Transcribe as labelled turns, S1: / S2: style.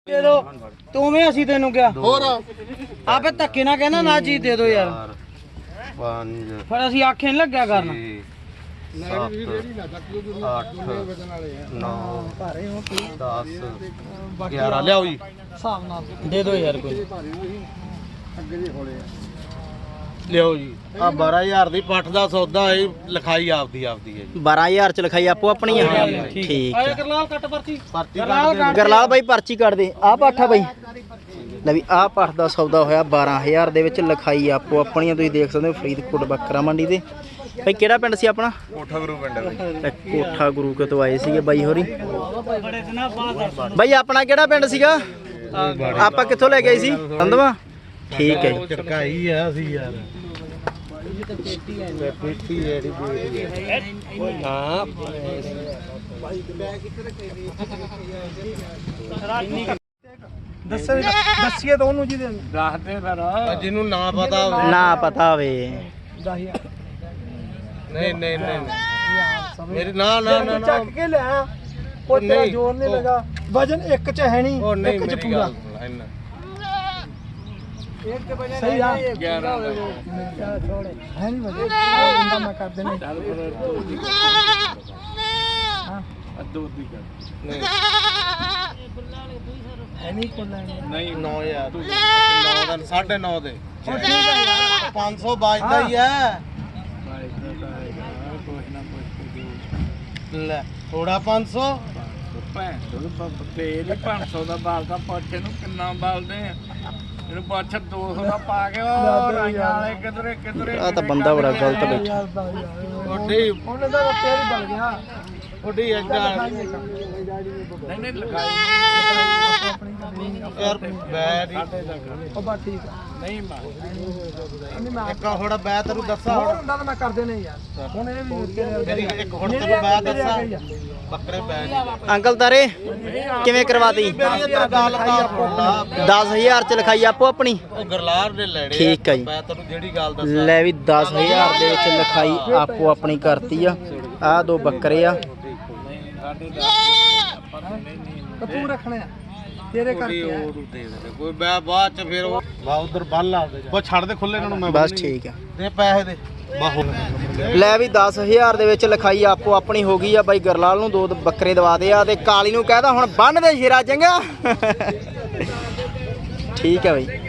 S1: ਦੇ ਦੋ ਤੂੰ ਵੀ ਅਸੀਂ ਤੈਨੂੰ ਕਿਹਾ ਹੋਰ ਆਪੇ ਧੱਕੇ ਨਾ ਕਹਿਣਾ ਨਾ ਚੀਜ਼ ਦੇ ਦੋ ਯਾਰ
S2: 5
S1: ਫਿਰ ਅਸੀਂ ਆਖੇ ਨਹੀਂ ਲੱਗਿਆ ਕਰਨਾ
S2: 7 8 9 10 11 ਲਿਆਓ ਜੀ
S1: ਹਿਸਾਬ ਨਾਲ ਦੇ ਦੋ ਯਾਰ ਕੋਈ
S2: ਲਿਆਓ ਜੀ ਆ 12000 ਦੀ ਪੱਠ ਦਾ ਸੌਦਾ ਹੈ ਲਿਖਾਈ ਆਪਦੀ ਹੈ ਜੀ
S3: 12000 ਚ ਲਿਖਾਈ ਆਪੋ ਆਪਣੀ ਆ ਠੀਕ
S1: ਆਏ ਗਰਲਾਲ ਕੱਟ ਪਰਚੀ
S3: ਗਰਲਾਲ ਬਾਈ ਪਰਚੀ ਕੱਢ ਦੇ ਆ ਪਾਠਾ ਬਾਈ ਲੈ ਵੀ ਆ ਪਾਠ ਦਾ ਸੌਦਾ ਹੋਇਆ 12000 ਦੇ ਵਿੱਚ ਲਿਖਾਈ ਆਪੋ ਆਪਣੀਆਂ ਤੁਸੀਂ ਦੇਖ ਸਕਦੇ ਹੋ ਫਰੀਦਕੋਟ ਬੱਕਰਾ ਮੰਡੀ ਦੇ ਬਾਈ ਕਿਹੜਾ ਪਿੰਡ ਸੀ ਆਪਣਾ
S2: ਕੋਠਾ ਗੁਰੂ ਪਿੰਡ ਹੈ
S3: ਕੋਠਾ ਗੁਰੂ ਕੇ ਤੋਂ ਆਏ ਸੀਗੇ ਬਾਈ ਹੋਰੀ ਬਾਈ ਆਪਣਾ ਕਿਹੜਾ ਪਿੰਡ ਸੀਗਾ ਆਪਾਂ ਕਿੱਥੋਂ ਲੈ ਗਏ ਸੀ ਸੰਧਵਾ ਠੀਕ ਹੈ ਜੀ
S2: ਚੜਕਾਈ ਆ ਅਸੀਂ ਯਾਰ ਪੇਟੀ ਜਿਹੜੀ ਹਾਂ
S1: ਦੱਸੀਏ ਤਾਂ ਉਹਨੂੰ ਜਿਹਦੇ ਦੱਸ ਦੇ ਫਿਰ
S2: ਜਿਹਨੂੰ ਨਾ ਪਤਾ ਹੋਵੇ
S3: ਨਾ ਪਤਾ ਹੋਵੇ
S1: 10000
S2: ਨਹੀਂ ਮੇਰੀ ਨਾ
S1: ਚੱਕ ਕੇ ਲੈ ਉਹ ਤੇਰਾ ਜ਼ੋਰ ਨਹੀਂ ਲਗਾ ਵਜਨ ਇੱਕ ਚ ਹੈ ਨਹੀਂ
S2: ਉਹ ਨਹੀਂ
S1: ਇੱਕ ਚ
S2: ਮੇਰੀ
S1: ਪੂਰਾ
S2: ਗੱਲ ਸੁਣ ਇੰਨਾ
S1: ਸਹੀ ਆ 11 ਹੈ ਨਹੀਂ ਵਜਨ ਬੰਦਾ ਮੈਂ ਕਰ ਦੇਣਾ ਹਾਂ ਅੱਧੋ ਦੀ ਕਰ
S2: ਨਹੀਂ
S1: ਹੈ ਨਹੀਂ ਕੋਲ
S2: ਨਹੀਂ 9000 9 ਦਾ 9.5 ਦੇ 500 ਬਚਦਾ ਹੀ ਹੈ ਲੈ ਥੋੜਾ 500
S1: ਤੇਲ 500 ਦਾ ਬਾਲਦਾ ਪੋਚੇ ਨੂੰ ਕਿੰਨਾ ਬਾਲਦੇ ਆ ਇਹਨੂੰ ਪੁੱਛ 200 ਦਾ ਪਾ ਕੇ ਉਹ ਰਾਈਆਂ ਵਾਲੇ ਕਿਧਰੇ
S3: ਆ ਤਾਂ ਬੰਦਾ ਬੜਾ ਗਲਤ ਬੈਠਾ
S2: ਥੋੜੀ
S1: ਉਹਨੇ ਤਾਂ ਤੇਲ ਬਲ ਗਿਆ
S2: ਥੋੜੀ ਅੱਗਾ
S1: ਨਹੀਂ ਲਗਾਈ
S2: ਯਾਰ ਬੈਠ
S1: ਉਹ ਬਾ ਠੀਕ ਆ ਨਹੀਂ ਮਾਰ
S2: ਇੱਕ ਥੋੜਾ ਬੈ ਤੈਨੂੰ ਦੱਸਾਂ
S1: ਹੋਰ ਹੁੰਦਾ ਤਾਂ ਮੈਂ ਕਰ ਦੇਣੇ ਯਾਰ ਹੁਣ ਇਹ ਵੀ
S2: ਮੇਰੀ ਇੱਕ ਹੁਣ ਤੈਨੂੰ ਬੈ ਦੱਸਾਂ ਬੱਕਰੇ ਬੈ
S3: ਅੰਕਲ ਤਾਰੇ ਕਿਵੇਂ ਕਰਵਾਤੀ
S2: ਮੇਰੀ ਤਾਂ ਗੱਲ ਕਰ
S3: 10000 ਚ ਲਿਖਾਈ ਆਪੋ ਆਪਣੀ
S2: ਉਹ ਗਰਲਾਰ ਦੇ ਲੈਣੇ
S3: ਠੀਕ ਆ ਜੀ
S2: ਮੈਂ ਤੈਨੂੰ ਜਿਹੜੀ ਗੱਲ ਦੱਸਾਂ
S3: ਲੈ ਵੀ 10000 ਦੇ ਵਿੱਚ ਲਿਖਾਈ ਆਪੋ ਆਪਣੀ ਕਰਤੀ ਆ ਆਹ ਦੋ ਬੱਕਰੇ ਆ
S1: ਤੂੰ ਰੱਖਣੇ ਆ ਤੇਰੇ ਕਰਕੇ
S2: ਕੋਈ ਬੈ ਬਾਅਦ ਚ ਫਿਰ ਉਹ ਬਾ ਉਧਰ ਬੰਨ ਲਾ ਦੇ ਬਸ ਛੱਡ ਦੇ ਖੁੱਲੇ ਇਹਨਾਂ ਨੂੰ ਮੈਂ
S3: ਬਸ ਠੀਕ ਆ
S2: ਦੇ ਪੈਸੇ ਦੇ ਬਾਹੋ
S3: ਲੈ ਵੀ 10000 ਦੇ ਵਿੱਚ ਲਿਖਾਈ ਆਪੋ ਆਪਣੀ ਹੋ ਗਈ ਆ ਬਾਈ ਗਰਲਾਲ ਨੂੰ 2 ਬੱਕਰੇ ਦਵਾ ਦੇ ਆ ਤੇ ਕਾਲੀ ਨੂੰ ਕਹਿਦਾ ਹੁਣ ਬੰਨ ਦੇ ਸ਼ੇਰਾ ਚੰਗਾ ਠੀਕ ਆ ਬਾਈ